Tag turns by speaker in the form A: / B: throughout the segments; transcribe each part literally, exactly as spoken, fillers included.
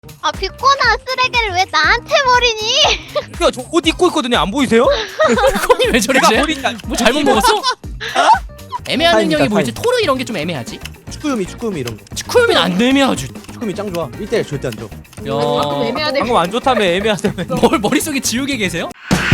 A: 아 비꼬나 쓰레기를 왜 나한테 버리니?
B: 야, 저 옷 입고 있거든요. 안 보이세요?
C: 콩이 왜 저래?
B: 제가 버리니까
C: 뭐 잘못 먹었어? 애매한
D: 타임이다,
C: 능력이 뭐지?
D: 타임.
C: 토르 이런 게 좀 애매하지?
D: 축구유미 축구유미 이런 거.
C: 치쿠유미는 안 애매하지.
D: 축구유미 짱 좋아. 일 대일 절대 안 줘.
E: 가끔
C: 야,
E: 애매하대.
B: 방금 안 좋다며 애매하다며.
C: 뭘 머릿속에 지우개 계세요?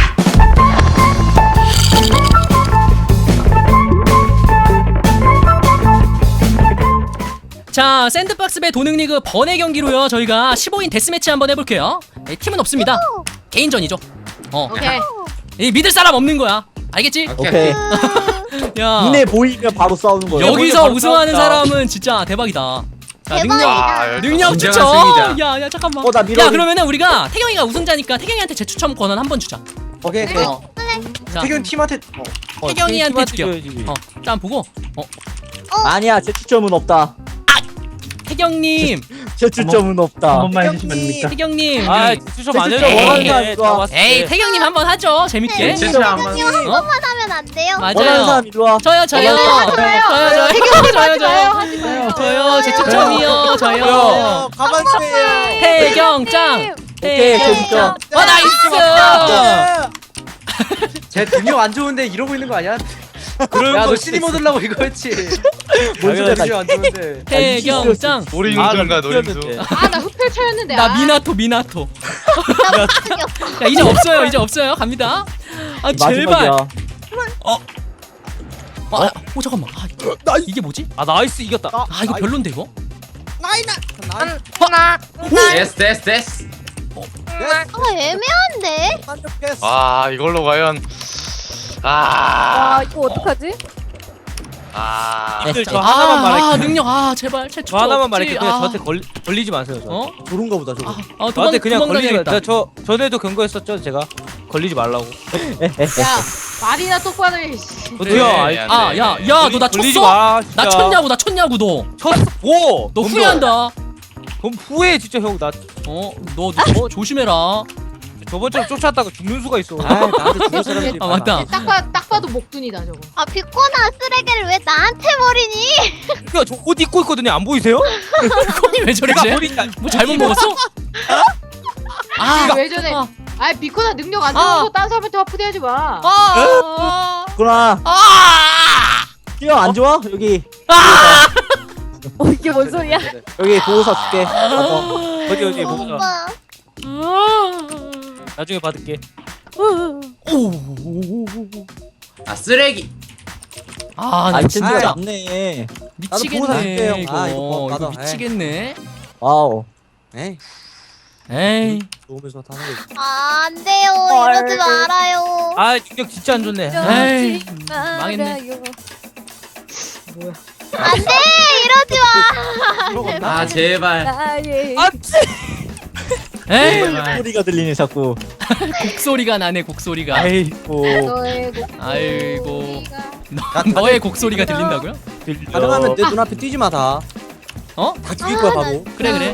C: 자, 샌드박스 배 도능리그 번외 경기로요. 저희가 십오 인 데스매치 한번 해볼게요. 네, 팀은 없습니다. 개인전이죠. 어,
E: 오케이.
C: 이 믿을 사람 없는 거야. 알겠지?
D: 오케이.
C: 야,
D: 눈에 보이면 바로 싸우는 거야.
C: 여기서
B: 바로
C: 우승하는
B: 싸웠다.
C: 사람은 진짜 대박이다. 자, 능력
A: 대박이다.
C: 능력
F: 진정한
C: 추첨.
F: 승리다.
C: 야, 야, 잠깐만.
D: 어, 나 밀어.
C: 야, 그러면은 우리가 태경이가 우승자니까 태경이한테 재추첨 권한 한번 주자.
D: 오케이.
E: 네.
D: 오케이.
C: 어. 자,
F: 태균 팀한테
B: 어,
C: 태경이한테
B: 팀한테
C: 줄게요.
B: 줘야지.
C: 어, 짠 보고. 어,
D: 아니야, 제 추점은 없다.
C: 태경님,
D: 제 추점은 없다.
F: 한 번만 해주시면 안 됩니까?
C: 태경님.
B: 아,
C: 우리-
B: 추첨 안 해줘.
D: 진짜
B: 원하는
D: 원하는
B: 거
D: 사람
B: 왔을
C: 에이,
B: 때.
C: 태경님 한번 하죠. 재밌게.
A: 네.
F: 진짜 한 번.
A: 한 번만 하면 안 돼요?
D: 원하는
C: 맞아요.
D: 사람 이리 와.
C: 저요, 저요.
D: 원하는 사람.
C: 저요, 저요.
E: 태경님
C: 저요,
E: 하지 마요.
C: 저요.
E: 하지 마요.
C: 저요, 재추첨이요. 저요.
B: 저요.
D: 가만 있어요.
C: 태경짱.
D: 오케이, 제 추점.
C: 어, 나이스.
F: 제 능력 안 좋은데 이러고 있는 거 아니야?
B: 그런
F: 야
B: 거
F: 너 시니 얻으려고 이거였지.
D: 뭔 소리야, 나.
F: 능력 안 좋은데.
C: 태경짱.
G: 노리는중가 노리는중.
B: 뛰었는데.
E: 아 나 흡혈 차였는데.
C: 나
E: 아.
C: 미나토, 미나토.
A: 나 무슨 없어.
C: 야, 이제 없어요. 이제 없어요. 갑니다. 아, 제발.
D: 마지막이야.
C: 아, 어, 잠깐만. 아,
D: 나
C: 이게 뭐지?
B: 아, 나이스 이겼다.
C: 아, 이거 별론데 이거?
F: 데스 데스 데스.
A: 아 애매한데?
G: 아 이걸로 과연 아,
H: 와 이거 어떡하지?
G: 아,
B: 님들 저
C: 아,
B: 하나만
C: 아,
B: 말할게요.
C: 능력. 아, 제발. 최초.
B: 저 하나만 말할게요. 그냥
C: 아.
B: 저한테 걸리, 걸리지 마세요. 저.
C: 어?
D: 저런가 보다, 저거.
C: 아, 아 도망,
B: 저한테 그냥 걸리지 마.
C: 도망다녀야겠다.
B: 저 전에도 경고했었죠. 제가 걸리지 말라고.
E: 야 말이나 똑바로 해. 씨.
B: 저도요.
G: 네,
B: 아이,
G: 네,
C: 아, 야, 야, 너 나
B: 걸리지
C: 쳤어?
B: 마. 진짜.
C: 나 쳤냐고, 나 쳤냐고, 너.
B: 쳤어. 오.
C: 너
B: 그럼
C: 후회한다.
B: 그럼 후회 진짜 형. 나
C: 어, 너, 너 조심해라.
B: 저번처럼 쫓아다가 죽는 수가 있어.
D: 아, 나한테 죽을 사람들이
C: 아,
D: 많아.
C: 맞다.
E: 딱, 봐, 딱 봐도 목둔이다 저거.
A: 아 비꼬나 쓰레기를 왜 나한테 버리니?
B: 야, 저 옷 입고 있거든요. 안 보이세요?
C: 콩이 왜 저래?
B: 제가 버리니까.
C: 뭐 잘못 먹었어? 아,
E: 왜 저래?
C: 아,
E: 아 비코나 능력 안
C: 아.
E: 좋아서 딴 사람한테 화푸대하지 마.
C: 아,
D: 구나.
C: 아,
D: 뛰어 안 좋아? 여기.
C: 아,
H: 어 이게 뭔 소리야?
D: 여기 보호사 줄게. 가서.
B: 어디 어디 보자.
A: 오빠.
B: 나중에 받을게.
C: 오,
F: 아 쓰레기.
C: 아, 나
D: 아,
C: 진짜
D: 진짜 남네. 나도 보호사
C: 미치겠네.
D: 줄게요.
C: 이거,
D: 아, 이거 뭐,
C: 이거
D: 나도.
C: 미치겠네.
D: 와우. 에이,
C: 에이,
D: 좋으면서 타는 거.
A: 아, 안 돼요.
H: 헐.
A: 이러지 말아요.
B: 아, 능력 진짜 안 좋네.
C: 에이, 망했네.
A: 안 돼. 이러지 마.
F: 아 제발.
H: 나의
C: 에이,
F: 제발.
D: 소리가 들리네 자꾸.
C: 곡소리가 나네, 곡소리가.
D: 아이고.
E: 너의 목.
C: 아이고, 너, 너의 곡소리가 들린다고요?
D: 가능하면 내 눈앞에 뛰지 마 다.
C: 어?
D: 다 죽일 거야 바로.
C: 그래, 그래.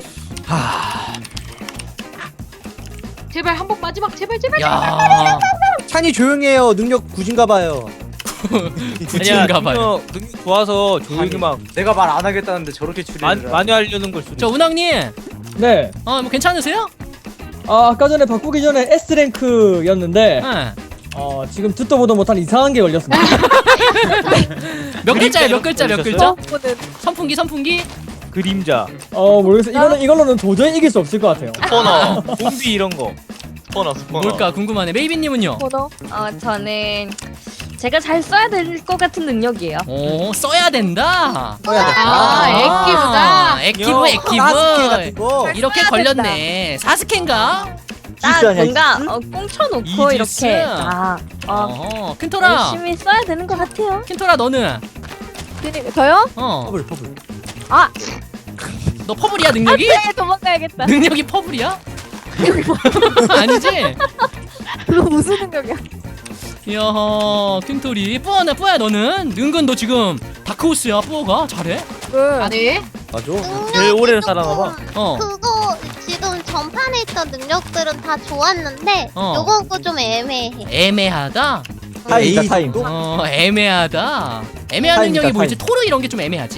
E: 제발 한복 마지막 제발 제발.
C: 야,
D: 찬이 조용해요. 능력 구진가 봐요.
C: 굳이인가 봐요.
B: 능력, 능력 좋아서 조용히 막
F: 내가 말 안 하겠다는데 저렇게
B: 마,
F: 추리를.
B: 많이 하려는 걸 수도
C: 저
B: 있어.
C: 운항님,
I: 네.
C: 어, 뭐 괜찮으세요?
I: 아, 아까 전에 바꾸기 전에 S랭크였는데
C: 응.
I: 어, 지금 듣도 보도 못한 이상한 게 걸렸습니다.
C: 몇 글자야, 몇 글자, 몇 글자?
H: 오늘
C: 선풍기, 선풍기?
B: 그림자,
I: 어, 모르겠어요. 이거는 이걸로는 도저히 이길 수 없을 것 같아요.
G: 스포너,
B: 좀비 이런 거.
G: 스포너, 스포너.
C: 뭘까 궁금하네. 메이비님은요?
H: 번호. 어 저는 제가 잘 써야 될 것 같은 능력이에요.
C: 오, 써야 된다.
D: 써야 돼.
E: 아, 액기브다.
C: 액티브,
D: 사스케 같은
C: 액티브.
D: 거.
C: 이렇게
H: 써야
C: 걸렸네. 사스케인가?
H: 딱
D: 이지스 아니야,
H: 뭔가
D: 이지스?
H: 어, 꽁쳐놓고
C: 이지스?
H: 이렇게 아, 어,
C: 어, 킨토라.
H: 열심히 써야 되는 것 같아요.
C: 킨토라 너는?
H: 그- 저요?
C: 어,
D: 퍼블 퍼블.
H: 아,
C: 너 퍼블이야 능력이?
H: 네 도망가야겠다.
C: 능력이 퍼블이야? 아니지?
H: 그거 무슨 능력이야?
C: 이야, 킨토리. 뿌어나 뿌야 너는? 은근 너 지금 다크호스야. 뿌어가 잘해?
H: 그
E: 아네.
D: 맞아.
B: 제일 오래 살아나 봐.
C: 어.
A: 그거 지금 전판에 있던 능력들은 다 좋았는데
C: 어.
A: 요건 거좀 애매해.
C: 애매하다.
D: 타임이다 타임.
C: 어, 애매하다. 애매한
D: 타임이다,
C: 능력이 뭐지?
D: 타임.
C: 토르 이런 게 좀 애매하지?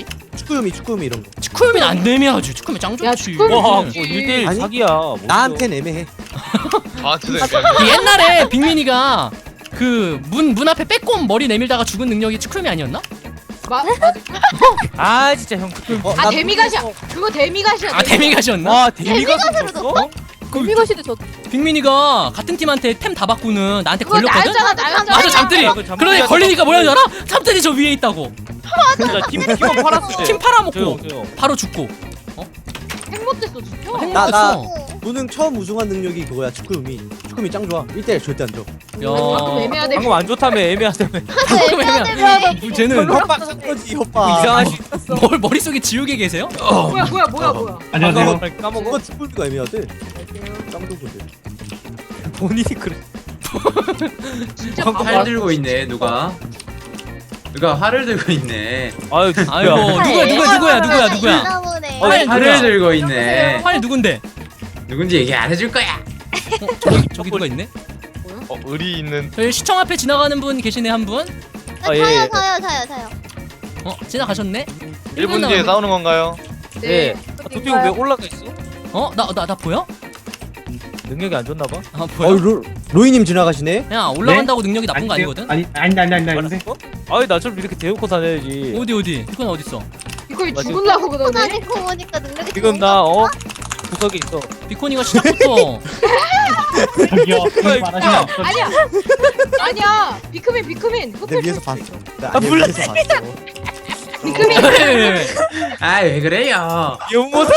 D: 축구음이 축구음이 이런 거.
C: 축구면 안 애매하지. 축구면 짱
E: 야,
C: 좋지.
E: 축구면
B: 와,
E: 좋지.
B: 뭐 일 대일
D: 아니,
B: 사기야. 뭐
D: 나한텐 애매해.
G: 저한테도
C: 그 옛날에 빅민이가 그 문 문 앞에 빼꼼 머리 내밀다가 죽은 능력이 축구면 아니었나?
E: 마, 맞아.
B: 아 진짜 형.
D: 어,
E: 아
D: 나-
E: 데미가시야. 그거 데미가시야.
C: 아 데미가시였나?
B: 와 데미가 줬어?
H: 미거시도 저
C: 빅민이가 같은 팀한테 템 다 바꾸는 나한테
E: 그거
C: 걸렸거든?
E: 나였잖아, 나였잖아.
C: 맞아 잠들이.
B: 아, 그 잠들이
C: 그러니
B: 하자.
C: 걸리니까 뭐라 줄 알아? 잠들이 저 위에 있다고.
B: 진짜 팀 팀원 팔았어.
C: 팀 팔아먹고
B: 조용 조용.
C: 바로 죽고.
E: 핵못됐어 진짜.
D: 나- 나-
C: 행복했어.
D: 무능 처음 우승한 능력이 그거야 축구음이. 축구음이 짱 좋아. 일 대일 절대 안 줘.
E: 방금
C: 야.
E: 애매하대.
B: 방금 안 좋다며 애매하다며.
C: 방금 애매한. 뭐 쟤는
D: 협박 산 거지 협박.
B: 뭐 이상한 시.
C: 뭘 머릿속에 지우개 계세요?
E: 뭐야 뭐야 뭐야 뭐야.
B: 안녕하세요.
D: 까먹어. 그거 축구음이가 애매하대. 짱 좋거든.
B: 본인이 그래.
E: 진짜
F: 활
E: 바보.
F: 들고 있네 누가 누가 활을 들고 있네
B: 아유
C: 아이고 누구야 누구야 누구야 누구야 누구야?
A: 있나 보네.
B: 어,
C: 활
F: 활을
C: 누구야?
F: 들고 있네
C: 활 누군데?
F: 누군지 얘기 안 해줄 거야
C: 어, 저기 저기 누가 있네?
G: 어, 의리 있는
C: 저희 시청 앞에 지나가는 분 계시네 한 분.
A: 아,
B: 아, 예,
A: 저요
B: 예.
A: 저요 저요 저요.
C: 어 지나가셨네?
G: 일 분 뒤에 싸우는 건가요?
B: 네.
E: 네.
B: 아, 도핑 왜 올라가 있어?
C: 어? 나 나 나 보여?
B: 능력이 안 좋나 봐.
C: 아
D: 어,
C: 보여?
D: 로, 로이님 지나가시네.
C: 야 올라간다고 능력이 나쁜 거 아니거든?
J: 아니 아니 아니 아니 아닌데.
B: 알았어? 아이 나처럼 이렇게 대놓고 다녀야지.
C: 어디 어디? 이건 어디 있어?
E: 이거
B: 맞아.
E: 죽을라고 그러네.
A: 다니고 보니까 능력이
B: 지금 나 어? 구석에 있어.
C: 비코니가 시작부터
J: 저기요. 그런 말 하시면 안 돼요.
E: 아니야. 아니야. 비크민 비크민.
D: 내
E: 흡혈
D: 위에서
E: 수
D: 봤어.
E: 있어.
D: 나
B: 아,
D: 내
B: 몰라.
D: 위에서 봤어.
E: 비크민.
F: 아이 왜 그래요
B: 연못을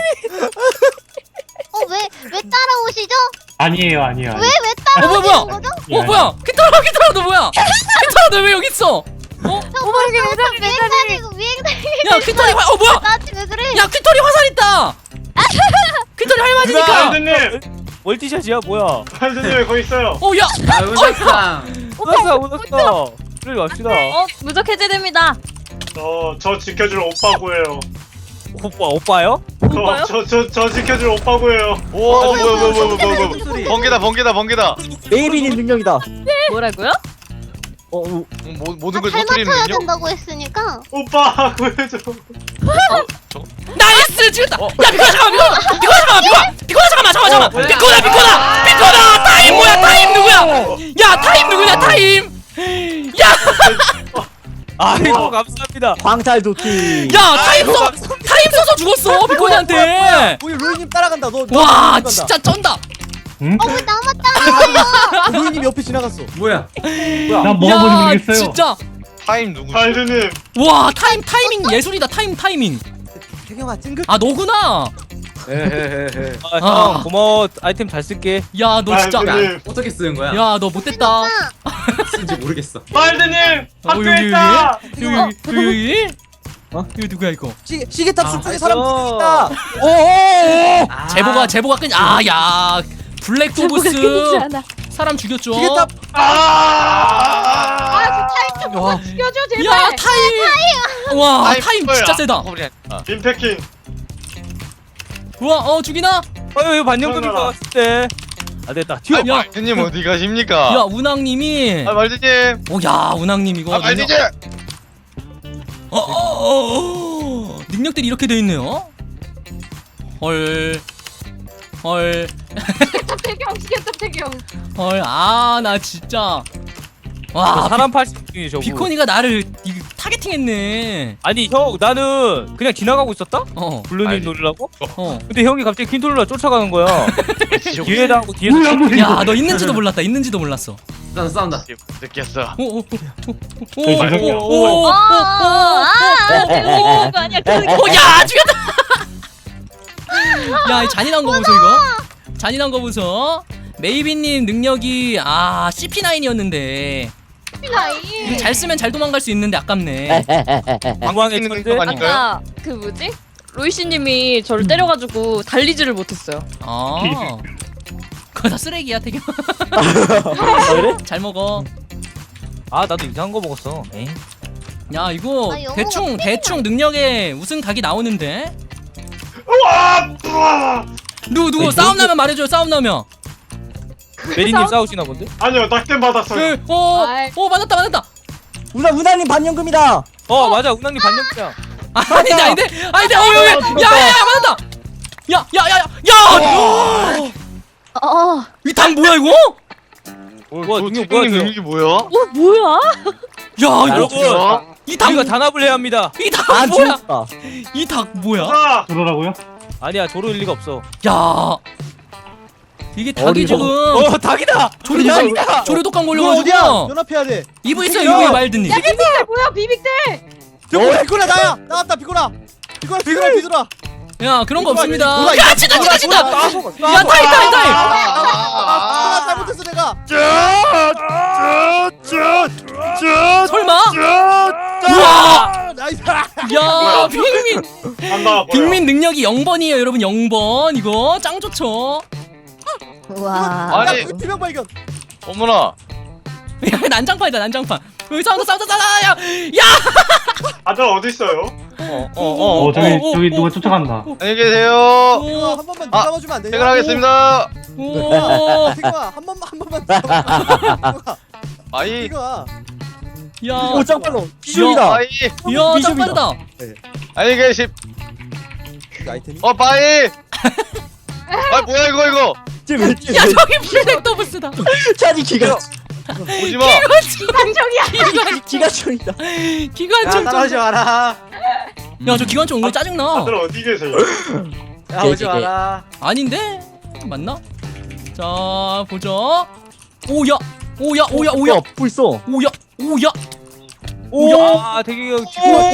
A: 어왜 왜 따라오시죠?
J: 아니에요 아니에요.
A: 왜 왜
C: 어 뭐야 뭐야?
A: 따라오시는 거죠?
C: 어 뭐야? 키타라 키타라 너 뭐야? 키타라 너 왜 여기 있어? 어?
A: 저 벌써 비행사니고 비행사니.
C: 야 키타리 화... 어 뭐야?
A: 나한테 왜 그래?
C: 야 퀴터리 화살 있다. 퀴터리 할 맞으니까.
J: 할드님,
B: 멀티샷이야 뭐야?
J: 할드님 거기 있어요.
C: 어 야.
F: 아 은사상
B: 오났어 오났어. 그래 갑시다.
H: 어 무적 해제됩니다.
J: 저저 지켜줄 오빠고요.
B: 오빠 오빠요?
H: 오빠요?
J: 저저 저 지켜줄 오빠고요.
G: 오 어, 뭐야 뭐야 뭐야 뭐야 뭐야 번개다 번개다 번개다
D: 메이비님 능력이다.
H: 뭐라고요?
D: 어, 어,
G: 모, 모든 걸
A: 잘
G: 터뜨리는
A: 맞춰야
G: 능력?
A: 된다고 했으니까.
J: 오빠 구해줘.
C: 나이스 죽였다. 야 비코나 잠깐만 비코나 비코나 잠깐만 비코나 비코나 잠깐만 잠깐만 잠깐만
F: 뭐야?
C: 비코나 비코나 비코나 타임 뭐야 타임 누구야? 야 타임 누구냐 타임?
B: 아이고 감사합니다.
D: 광탈 도끼.
C: 야 타임 써 타임 써서 죽었어 비코니한테.
D: 우리 로이님 따라간다. 너. 너
C: 와
D: 따라간다.
C: 진짜 쩐다.
A: 어왜 나만 따라와요?
D: 어, 로이님 옆에 지나갔어.
F: 뭐야
J: 난 먹어보지
C: 야
J: 모르겠어요.
C: 진짜
G: 타임 누구지?
J: 할드님,
C: 와 타임 타이밍 예술이다 타임 타이밍.
D: 태경아 찡긋.
C: 아 너구나.
F: 헤헤헤헤
B: 아,
C: 아.
B: 형 고마워. 아이템 잘 쓸게.
C: 야 너 진짜.
J: 할드님,
F: 어떻게 쓰는 거야
C: 야 너 못됐다.
F: 쓰는지 모르겠어
J: 할드님
C: 어,
J: 학교에
C: 여기,
J: 있다.
C: 여기 여기 여기.
D: 어?
C: 이거 누구야 이거?
D: 시 시계탑
F: 아,
D: 숲속에
B: 알았어.
D: 사람 있다. 오오오.
F: 아,
C: 제보가 제보가 끈. 아야 블랙 도브스
H: 않아.
C: 사람 죽였죠.
D: 시계탑.
E: 아저 타임 좀
D: 와.
E: 죽여줘 제발.
C: 야 타임. 와 타임 진짜 세다.
G: 아,
J: 임패킹.
C: 우와 어 죽이나?
B: 아유 이거 반영금인 것 같은데. 아 됐다. 튀어.
C: 야.
G: 말드님 어디 가십니까?
C: 야 운항님이.
G: 아 말드님
C: 오야 운항님 이거.
G: 아 말드님
C: 어, 어, 어, 어. 능력들이 이렇게 돼 있네요. 헐. 헐.
E: 시계탑 태경 시계탑 태경.
C: 헐. 아 나 진짜.
B: 저
C: 와
B: 사람 팔십 중에 저거.
C: 비코니가 나를 이, 타겟팅했네.
B: 아니 형 나는 그냥 지나가고 있었다?
C: 어.
B: 블루님
G: 아니.
B: 노리려고?
C: 어.
B: 근데 형이 갑자기 퀸톨라 쫓아가는 거야. 뒤에다 하고 뒤에서
J: 뭐야 뭐야.
C: 야 너 있는지도 몰랐다. 있는지도 몰랐어.
F: 싸운다 싸운다
G: 느꼈어.
J: 저기 저기요.
C: 오오오오오오오오야
H: 아, 그거 아니야. 그거
C: 죽였다. 야 이 잔인한 거 보소 이거. 잔인한 거 보소. 메이비님 능력이 아 씨피 나인이었는데
E: 나이.
C: 잘 쓰면 잘 도망갈 수 있는데 아깝네.
B: 방광의
G: 있는
B: 천재.
G: 거 아닌가요?
H: 아까 그 뭐지? 로이씨님이 저를 때려가지고 달리지를 못했어요.
C: 아 그거 다 쓰레기야 태경.
B: 아, 그래?
C: 잘 먹어.
B: 아 나도 이상한 거 먹었어. 에이.
C: 야 이거
A: 아, 영어가
C: 대충 대충 능력에 우승 각이 나오는데.
J: 우와! 우와!
C: 누구 누구 싸움 나면 말해줘요. 싸움 나면.
B: 메리님 싸우시나 본데?
J: 아니요 낙댐 받았어요.
C: 그, 어,
E: 아이.
C: 어 맞았다 맞았다.
D: 우나 우나님 반영금이다.
B: 어 맞아 운항님 반영이야.
C: 아닌데 아닌데 아닌데 어야야야야 맞았다. 야야야야야.
H: 어,
C: 이 닭 뭐야 이거?
G: 뭐,
B: 뭐야,
G: 뭐,
B: 능력
G: 태경이
B: 뭐야,
G: 능력이 뭐야?
H: 어 뭐야?
C: 야 이거
B: 여러분
C: 이 닭
B: 우리가 단합을 해야 합니다.
C: 이 닭
D: 아
C: 뭐야?
D: 죽었다.
C: 이 닭 뭐야?
J: 아,
I: 그러라고요?
B: 아니야 도로일 리가 없어.
C: 야 이게 닭이
D: 어리버.
C: 지금
B: 어 닭이다.
C: 조류독감 조류독감
D: 이거 어디야?
C: 걸려가지고
D: 연합해야 돼.
C: 이브 있어요 이브에 말드님.
E: 비빅들 뭐야 비빅들?
D: 어 비코라 나야. 나왔다 비코라. 비코라 비코라 비코라.
C: 야 그런 거
D: 이거
C: 없습니다.
D: 아니야, 이거
C: 야 치다 치다 치다.
D: 야
C: 야 타이 타이 타이.
D: 아 잘못했어 내가.
C: 설마?
B: 아,
C: 우와.
D: 나이스.
C: 야 빅민
J: 안 나와.
C: 빅민 능력이 영 번이에요 여러분 영 번 이거 짱 좋죠.
H: 우와.
G: 아니.
D: 투명 발견.
G: 어머나.
C: 야 난장판이다 난장판. 여기 싸운다 싸운다 싸운다 야. 야.
J: 다들 어디 있어요?
B: 어어
I: 어,
B: 어.
I: 저기
C: 어,
I: 저기
C: 어,
I: 누가
C: 어,
I: 쫓아간다.
G: 안녕히 계세요.
D: 이거 한 번만 더 잡아주면 안 되냐?
G: 퇴근하겠습니다.
C: 오.
D: 태경아 한 번만 한 번만 더 잡아줘.
G: 아이.
D: 태경아.
C: 야.
D: 오 짱빨로. 비중이다.
G: 아이.
C: 야, 짱 빠르다.
G: 안녕히 계십.
D: 그 아이템이.
G: 어 빠이. 아 뭐야 이거 이거.
D: 쟤왜
C: 야, 저기 블랙 더블스다.
D: 차지 기가.
G: 오지 마.
E: 기관총이야.
C: 기관
D: 기가총이다.
C: 기관총.
D: 따라오지 마라.
C: 야, 저 기관총 오늘 짜증나.
J: 다들 어디 계세요?
D: 야 오지 마라.
C: 아닌데? 맞나? 자, 보자. 오야. 오야, 오야, 오야.
D: 불써.
C: 오야. 오야.
B: 오. 아 되게
C: 오.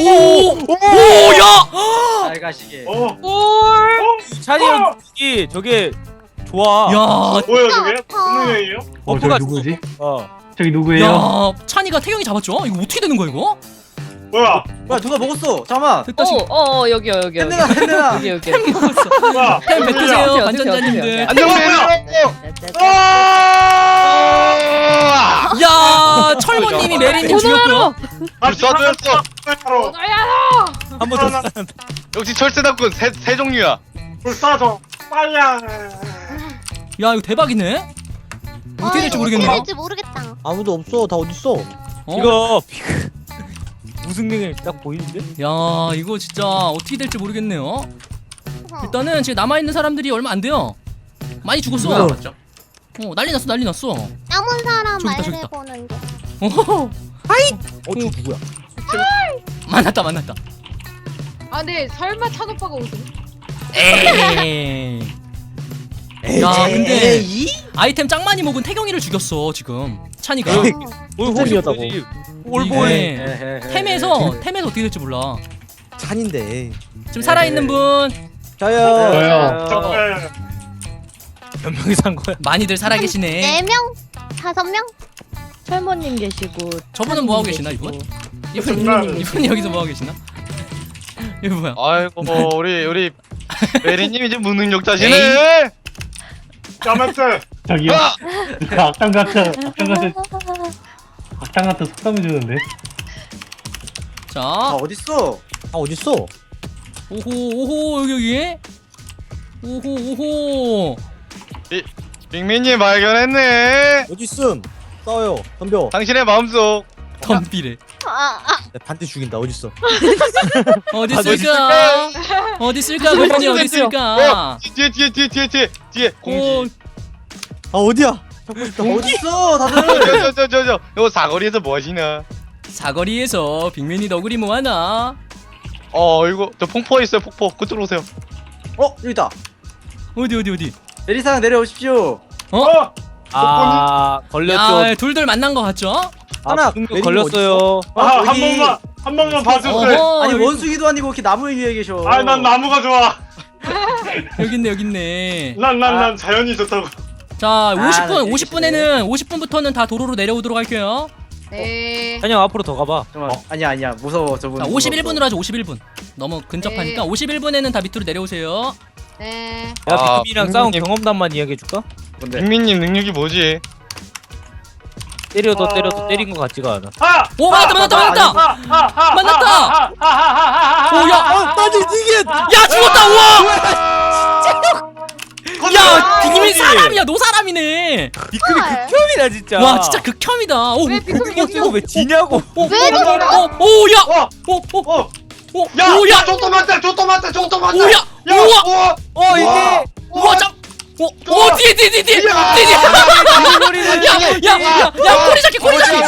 C: 오야.
D: 잘 가시게.
J: 어,
B: 찬이 형 이 저게 좋아.
C: 야.
J: 뭐야 저게? 무슨 얘기예요?
I: 어
B: 버프가
I: 저기 누구지?
B: 어.
I: 저기 누구예요?
C: 야, 찬이가 태경이 잡았죠? 이거 어떻게 되는 거야, 이거?
J: 뭐야?
D: 뭐야 누가 먹었어? 잠깐만.
C: 됐다,
H: 어,
C: 지금.
H: 어, 어 여기요 여기 여기.
D: 핸드나 핸드나.
H: 여기 여기.
C: 템 먹었어.
J: 뭐야?
C: 템
J: 무슨
C: 뱉으세요,
J: 일이야?
C: 관전자님들.
G: 안녕하세요.
C: 야, 철모님이 메리님 죽였고요.
J: 아,
G: 쏴줬어.
J: 바로
E: 너야.
B: 한번 더.
G: 역시 철새답군 새, 새 종류야.
J: 불사조 빨야.
C: 야, 이거 대박이네. 어떻게 될지 모르겠네.
A: 어떻게 될지 모르겠다.
D: 아무도 없어. 다 어디 있어?
C: 어?
B: 이거 무슨 능력이 딱 보이는데?
C: 야, 이거 진짜 어떻게 될지 모르겠네요.
A: 어.
C: 일단은 지금 남아 있는 사람들이 얼마 안 돼요. 많이 죽었어.
F: 누가 남았죠?
C: 어, 난리 났어, 난리 났어.
A: 남은 사람
C: 저기다, 저기다.
A: 말해보는 게.
C: 어,
D: 어저 누구야?
C: 만났다, 만났다.
E: 아 네 설마 찬 오빠가 우승?
C: 에이. 야, 근데
D: 에이?
C: 아이템 짱 많이 먹은 태경이를 죽였어 지금. 찬이가.
A: 어.
B: 뭘
D: 템이었다고.
B: 올보이.
C: 이게 템에서 템에서 어떻게 될지 몰라.
D: 잔인데.
C: 지금 살아 있는 분
D: 저요.
I: 저요.
J: 정말
B: 몇 명이 산 거야?
C: 많이들 살아 계시네.
A: 네 명? 다섯 명?
H: 철모님 계시고.
C: 저분은 뭐 하고 계시나
H: 계시고.
C: 이분? 이분 이분 여기서 뭐 하고 계시나? 이거 뭐야?
G: 아이고 뭐 우리 우리 메리님 이제 무능력자시네.
J: 까맣게.
I: 저기요.
G: 아!
I: 누가 악당 같은 악당 같은 악당 같은 속담을 주는데.
C: 자,
D: 어딨어? 아 어딨어?
C: 오호 오호 여기 여기. 오호 오호.
G: 빅민님 발견했네.
D: 어딨음? 싸워요. 덤벼.
G: 당신의 마음속.
C: 덤비래.
A: 아, 아,
D: 내 반대 죽인다. 어딨어?
C: 어디
G: 아,
C: 있을까? 어디 있을까? 그분이 어디
G: 어,
C: 있을까?
G: 뒤에 뒤에 뒤에 뒤에 뒤에 뒤에
C: 오,
G: 공지.
D: 아 어디야? 잡고 싶다. 어딨어? 다들.
G: 저저저저 요 사거리에서 뭐 하시나?
C: 사거리에서 빅맨이 너구리 뭐 하나?
G: 어 이거 저 폭포 있어요 폭포. 그쪽으로 오세요.
D: 어 여기다.
C: 어디 어디 어디?
D: 내리상 내려오십시오.
C: 어?
B: 아 걸렸죠.
C: 야, 둘둘 만난 거 같죠?
D: 하나,
B: 아, 그
D: 메리님
B: 걸렸어요.
J: 아, 한
D: 여기.
J: 번만 한 번만 봐주세요.
C: 어허,
D: 아니
C: 여기,
D: 원숭이도 아니고 이렇게 나무 위에 계셔.
J: 아, 난 나무가 좋아.
C: 여기 있네 여기 있네.
J: 난 난 난 자연이 좋다고.
C: 자, 오십 분
D: 나
C: 오십 분에는 오십 분부터는 다 도로로 내려오도록 할게요.
E: 네.
B: 찬영 앞으로 더 가봐.
D: 잠깐만. 아니야 아니야 무서워 저분.
C: 자, 오십일 분으로 하죠. 오십일 분. 너무 근접하니까
E: 네.
C: 오십일 분에는 다 밑으로 내려오세요.
E: 네.
B: 야
G: 아,
B: 빅민이랑 싸운
G: 빅민님.
B: 경험담만 이야기해 줄까?
G: 빅민님 능력이 뭐지?
B: 때려도
J: 어.
B: 때려도 때린 것 같지가 않아.
J: 아!
C: 오, 맞았다 맞았다 맞았다.
J: 만났다.
C: 만났다! 오, 야,
J: 아,
D: 나도 이게.
C: 야 죽었다. 우와. 야, 빅민 사람이야. 노 사람이네.
B: 비급이 극혐이다 진짜.
C: 와, 진짜 극혐이다. 오,
E: 왜 빅민이
B: 이거 왜 지냐고.
C: 오,
A: 왜 저러나?
C: 오, 오, 야.
J: 어!
C: 오, 오.
J: 어!
C: 오,
J: 야!
C: 오야,
J: 야! 저또 맞다! 저또 맞다! 저또 맞다!
C: 오야,
J: 야!
C: 우와,
J: 우와!
B: 어 이게
C: 우와, 짱, 오, 오, 뒤에, 뒤에, 뒤에, 뒤에, 뒤에,
J: 야!
C: 뒤에.
B: 머리는
C: 야, 야, 야, 야, 꼬리 잡기, 꼬리 잡기.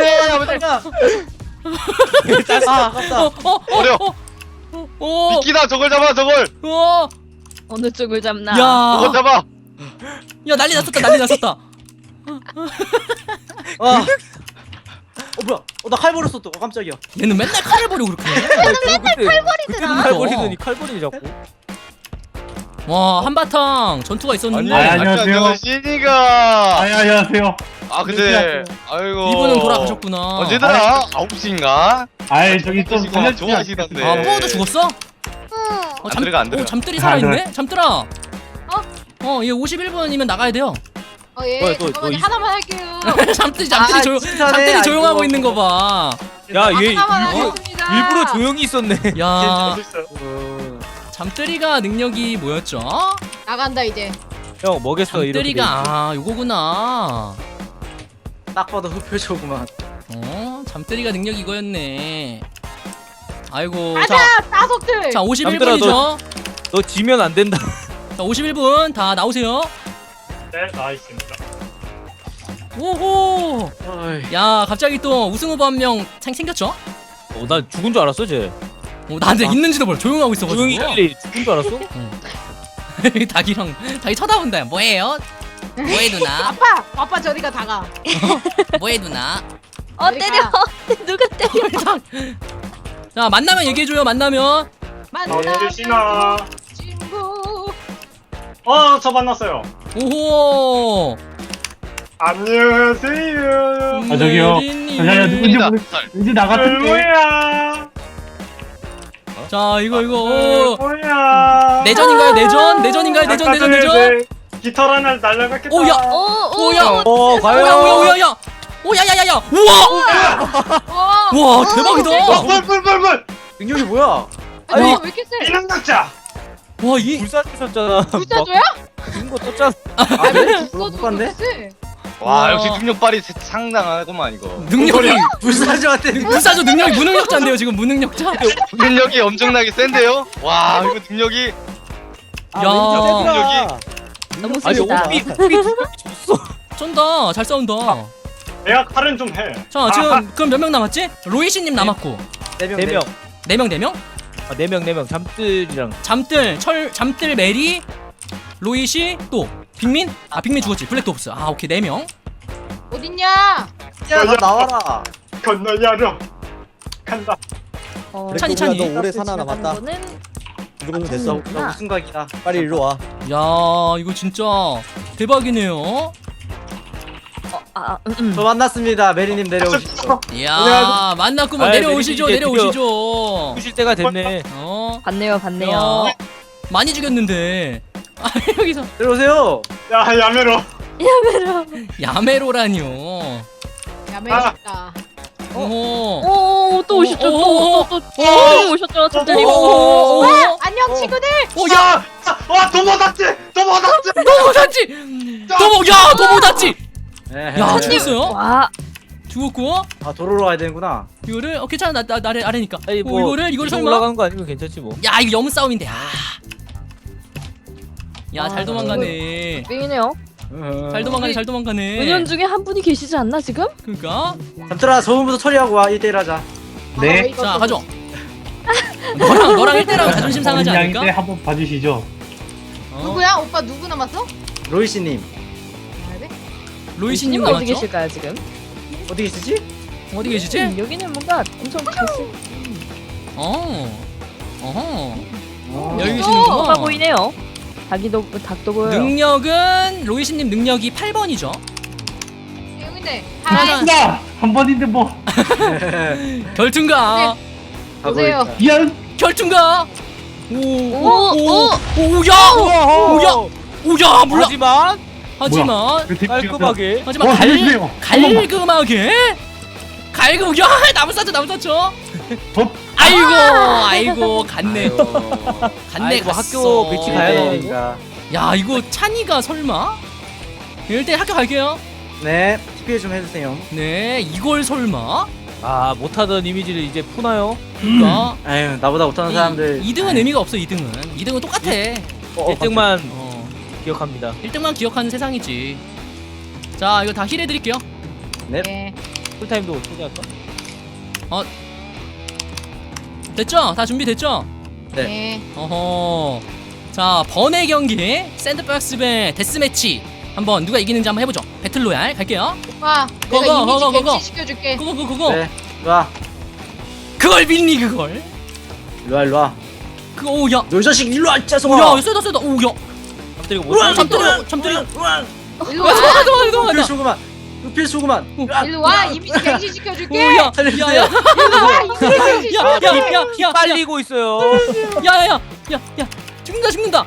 D: 아 아깝다.
C: 어, 어, 어,
G: 어려.
C: 어, 어,
G: 미끼다 저걸 잡아 저걸.
C: 어,
H: 어느 쪽을 잡나?
G: 저걸
C: 야,
G: 잡아.
C: 야, 난리 났었다, 난리 났었다.
D: 아. 어 뭐야? 어 나 칼 버렸어 또. 어, 깜짝이야.
C: 얘는 맨날 칼을 버리고 그렇게 해.
B: 맨날
A: 칼버리더라.
B: 칼버리더니 칼버리니 자꾸.
C: 와, 한바탕 전투가 있었는데
I: 아니, 아니. 안녕하세요.
G: 신이가.
I: 아니, 안녕하세요.
G: 아 근데 아이고.
C: 이분은 돌아가셨구나.
G: 언제더라? 아홉 시인가?
I: 아이, 저기 좀
G: 시고
I: 살려주지
G: 좋아하시던데.
C: 아, 뽀도 죽었어?
A: 응.
C: 어,
G: 안 들어가, 안 들어가.
C: 어, 잠들이
I: 아,
C: 살아있네? 잠들아. 어? 어, 얘 오십일 분이면 나가야 돼요.
E: 어, 예.
B: 뭐야, 또-
E: 잠깐만요.
B: 또 이-
E: 하나만 할게요.
C: 잠들이, 잠들이
D: 아,
C: 조용,
D: 진짜네.
C: 잠들이 조용하고
D: 아이고.
C: 있는 거 봐.
B: 야 얘
E: 하나만
B: 일부러
E: 하겠습니다.
B: 일부러 조용히 있었네.
C: 야,
J: 재밌어요.
D: 어.
C: 잠들이가 능력이 뭐였죠?
E: 나간다 이제.
B: 형 뭐겠어 이렇게.
C: 잠들이가, 아, 요거구나.
D: 딱 봐도 흡표적구만.
C: 어, 잠들이가 능력이 이거였네. 아이고, 자,
E: 가자 따석들.
C: 자, 오십일
B: 잠들아,
C: 분이죠?
B: 너 지면 안 된다.
C: 자, 오십일 분 다 나오세요.
J: 네, 나있습니다.
C: 오호.
D: 어이.
C: 야, 갑자기 또 우승 후보 한 명 생겼죠?
B: 어, 나 죽은 줄 알았어 쟤.
C: 어, 나한테 있는지도 몰라. 조용하고 있어가지고.
B: 조용히 빨리 죽은 줄 알았어?
C: 닭이랑 닭이 쳐다본다. 뭐해요? 뭐해 누나?
E: 아빠 아빠 저리가 다가.
C: 뭐해 누나?
H: 어 때려. 누가 때려?
C: 닭. 자, 만나면 얘기해줘요. 만나면.
E: 만나.
J: 계시나?
E: 친구.
J: 어, 저 만났어요.
C: 오호.
J: 안녕하세요.
I: 아, 저기요.
C: 메리님.
I: 야, 야, 누군지 모르, 왠지 나 같은데.
J: 뭐야?
C: 자, 이거 이거. 어.
J: 뭐야?
C: 내전인가요? 내전? 내전인가요? 내전 내전 내전.
J: 깃털 하나 날라갔겠다.
C: 오, 야.
H: 오, 오,
C: 오야.
B: 어
C: 오야
B: 과연.
C: 오야 오야 야. 오야야야야. 우와.
E: 와.
C: 와, 대박이다.
J: 어, 물, 물, 물, 물.
D: 능력이 뭐야?
E: 아니
C: 와.
E: 왜 이렇게 세?
J: 비능 낙자.
C: 와, 이
B: 불사조셨잖아.
E: 불사조야?
B: 죽은 거 떴잖아.
D: 아 그래?
E: 불사조가
D: 못 봤네?
E: 그렇게 세?
G: 와
C: 와.
G: 역시 능력발이 상당하구만 이거.
C: 능력이
D: 불사조한테
C: 불사조 능력이 무능력자인데요, 지금 무능력자.
G: 능력이 엄청나게 센데요? 와 이거 능력이.
D: 아,
C: 야.
D: 야.
H: 너무
B: 아니
H: 세다.
B: 오비 오비 졌어.
C: 쩐다. 잘 싸운다.
J: 내가 칼은 좀 해.
C: 자, 지금 그럼 몇 명 남았지? 로이시님 남았고
D: 네명
B: 네 명.
C: 네 명 네 명?
B: 아, 네 명, 네 명. 잠들이랑.
C: 잠들 철 잠들 메리 로이시 또 빅민? 아, 빅민 죽었지. 블랙도 없어. 아, 오케이. 네 명.
E: 어딨냐?
D: 야너 나와라.
J: 건너야로 간다.
H: 어,
C: 찬이, 찬이.
D: 너 오래 사나
H: 지나가는
D: 남았다.
H: 거는
D: 이러면 됐어.
H: 아,
D: 나 무슨 각이다. 빨리 일로 와.
C: 야, 이거 진짜 대박이네요.
H: 어, 아, 음, 음.
D: 저 만났습니다. 메리님 내려오시죠.
C: 이야, 만났구만.
B: 아이,
C: 내려오시죠.
B: 메리 이제
C: 내려오시죠.
B: 죽으실 때가 됐네.
C: 어.
H: 봤네요, 봤네요.
C: 야, 많이 죽였는데. 아, 여기서
D: 내려오세요.
J: 야, 야메로.
C: 야메로라니요.
E: 야매있다.
C: 오.
H: 오, 또 오셨죠?
C: 오,
H: 또, 또, 또, 또 오셨죠? 잠들이.
C: 오, 오, 오.
E: 안녕 친구들.
C: 오, 야,
J: 와, 도모다치! 도모다치!
C: 너무 닿지. 너무 야, 너무 닿지. 야,
D: 야,
C: 죽었어요?
H: 와,
C: 죽었고.
D: 아 도로로 와야 되는구나.
C: 이거를 어 괜찮아. 나, 나 아래 아래니까.
B: 아니
C: 어,
B: 뭐
C: 이거를 이거를
B: 위로
C: 설마.
B: 올라가는 거 아니면 괜찮지 뭐.
C: 야, 이거 염 싸움인데. 아. 야,
H: 아,
C: 잘 도망가네.
H: 뺑이네요.
C: 잘 도망가네. 잘 도망가네.
H: 은연 중에 한 분이 계시지 않나 지금?
C: 그러니까.
D: 잠들아 저분부터 처리하고 와. 일 대일 하자.
I: 네.
C: 자, 가죠. 너랑 너랑 일 대랑 자존심 상하지
I: 양인데
C: 않을까?
I: 한번 봐주시죠.
C: 어?
E: 누구야? 오빠 누구 남았어?
D: 로이씨님
E: 아, 네?
C: 로이시님
H: 어디
C: 남았죠?
H: 계실까요 지금?
D: 어디 계시지?
C: 어디 계시지?
H: 음, 여기는 뭔가 엄청 계시.
C: 어. 어허.
D: 어.
C: 여기
H: 어,
C: 계시는구나.
H: 보이네요. 닭이도 닭도 보여요.
C: 능력은 로이시님 능력이 팔 번이죠.
E: 여기네.
C: 하나.
E: 하이.
I: 나! 한 번인데 뭐.
C: 결투인가?
E: 보세요.
I: 미안.
C: 결투인가? 오.
H: 오,
C: 오. 오야. 오야. 오야, 몰라.
B: 하지만
C: 하지만
I: 그 택시가
B: 깔끔하게.
C: 하지만
I: 어,
C: 갈
I: 해주세요.
C: 갈금하게 갈금. 야, 나무 쌌죠. 나무 쌌죠.
I: 더.
C: 아이고. 아이고. 갔네.
D: 아유.
C: 갔네.
B: 아이고,
C: 갔어.
B: 학교 배치 가야
D: 네,
B: 되는데.
D: 되니까.
C: 야, 이거 찬이가 설마? 일단 학교 갈게요.
D: 네. 티피 좀 해주세요.
C: 네, 이걸 설마?
B: 아 못하던 이미지를 이제 푸나요?
C: 그러니까
D: 에휴 나보다 못하는 사람들.
C: 이 등은 의미가 없어. 이 등은 이 등은 똑같아.
D: 어,
B: 일 등만
C: 어,
B: 기억합니다.
C: 일 등만 기억하는 세상이지. 자 이거 다 힐 해드릴게요.
E: 네.
B: 풀타임도 초대할까?
C: 됐죠? 다 준비됐죠?
E: 네.
C: 어허. 자 번외 경기 샌드박스 배 데스매치 한번 누가 이기는지 한번 해보죠. 배틀로얄 갈게요.
E: 오빠,
C: 그거,
E: 내가 이미지
C: 그거, 그거.
E: 갱신 시켜줄게.
C: 그거 그거 그거.
D: 네. 일로와.
C: 그걸 빌니 그걸.
D: 일로와 일로와.
C: 그 오야.
D: 너 이 자식 일로와
C: 오야
D: 짜성아.
C: 쎄다 쎄다 오야.
B: 갑자기 못
D: 우와,
C: 잠들어
D: 우와,
C: 잠들어.
D: 우와.
E: 일로
C: 와
E: 와.
C: 도망가 도망가 도망가.
D: 필수구만. 필수구만.
E: 일로 와. 이미지 갱신 시켜줄게.
C: 오야
D: 살려주세요.
C: 야야
E: 일로 와. 이미지 갱신
B: 아,
E: 시켜줄게.
C: 야야야야
B: 빨리고 있어요.
C: 야야야 야야 죽는다 죽는다.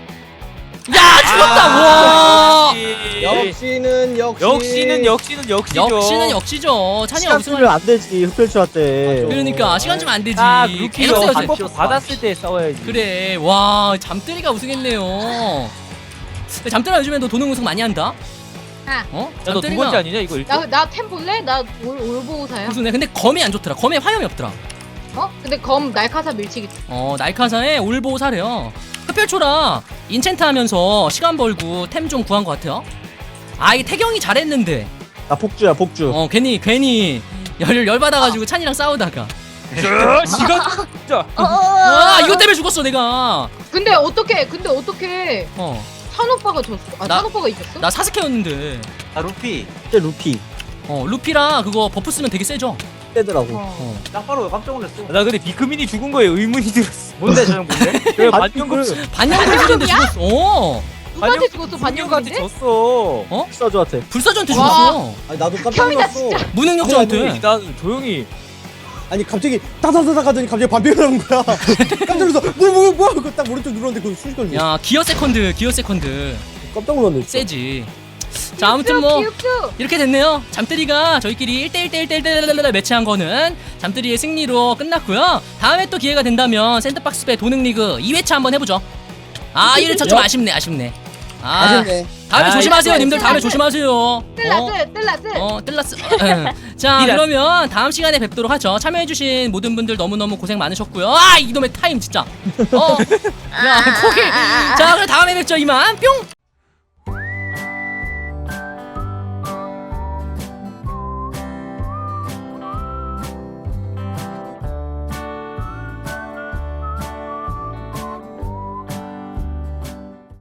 C: 야 죽었다. 와.
D: 역시는 역시.
B: 역시는 역시는 역시죠.
C: 역시는 역시죠. 찬이가
D: 시간
C: 우승을
D: 쓰면 안 되지 흡혈추한테.
C: 그러니까 시간 주면 안 되지.
B: 아
C: 계속
B: 루키요.
C: 싸워야지.
B: 한번 받았을 때 싸워야지.
C: 그래 와 잠들이가 우승했네요. 잠들아 요즘에 너 도능 우승 많이 한다.
E: 아.
C: 어?
B: 야너 두 번째 아니냐 이거 일 등?
E: 나나템 볼래? 나올 올보호사야.
C: 우승해. 근데 검이 안 좋더라. 검에 화염이 없더라.
E: 어? 근데 검 날카사 밀치기.
C: 어 날카사에 올보사래요. 흡혈초라 인챈트 하면서 시간 벌고 템 좀 구한 것 같아요. 아 이 태경이 잘했는데
D: 나 폭주야 폭주.
C: 어 괜히 괜히 열, 열 받아가지고 찬이랑 싸우다가
B: 시간 진짜.
C: 아 이것 때문에 죽었어 내가.
E: 근데 어떻게? 근데 어떻게?
C: 어
E: 찬 오빠가 졌어. 아,
C: 나-
E: 찬 오빠가 이겼어?
C: 나 사스케였는데
D: 나 루피. 진짜 루피.
C: 어 루피라 그거 버프 쓰면 되게 세죠.
D: 떼더라고.
E: 어.
C: 어
D: 짱바로 깜짝 놀랐어.
B: 나 근데 비크민이 죽은 거에 의문이 들었어.
D: 뭔데 저형 뭔데?
B: 왜
D: 아,
B: 반영금
C: 반영불인데 죽었어. 어
E: 누구한테 죽었어?
B: 반영까지
E: 반영인데?
B: 졌어.
D: 식사주한테.
C: 불사조한테
E: 와.
C: 죽었어.
D: 아니 나도 깜짝
E: 형이다,
D: 놀랐어.
E: 진짜.
C: 무능력자한테.
B: 난 조용히.
D: 아니 갑자기 따다다닥 하더니 갑자기 반비가 나온 거야. 깜짝 놀라서 뭐뭐 뭐야 그거 딱 오른쪽 눌렀는데 그거 순식간에.
C: 야 기어 세컨드 기어 세컨드
D: 깜짝 놀랐네. 진짜.
C: 세지. 자 아무튼 뭐
E: 기육수.
C: 이렇게 됐네요. 잠들이가 저희끼리 일 대 일 대 일 대 일 대 일 매치한 거는 잠들이의 승리로 끝났고요. 다음에 또 기회가 된다면 샌드박스배 도능리그 이 회차 한번 해보죠. 아 일 회차 좀 아쉽네 아쉽네. 아
D: 아쉽네.
C: 다음에
B: 아,
C: 조심하세요
E: 이거
C: 님들. 다음에
E: 뜰라스.
C: 조심하세요. 어?
E: 뜰라스 뜰라스.
C: 어 뜰라스. 자 그러면 다음 시간에 뵙도록 하죠. 참여해주신 모든 분들 너무너무 고생 많으셨고요. 아 이놈의 타임 진짜. 어야 코기. 자 그럼 다음에 뵙죠 이만 뿅.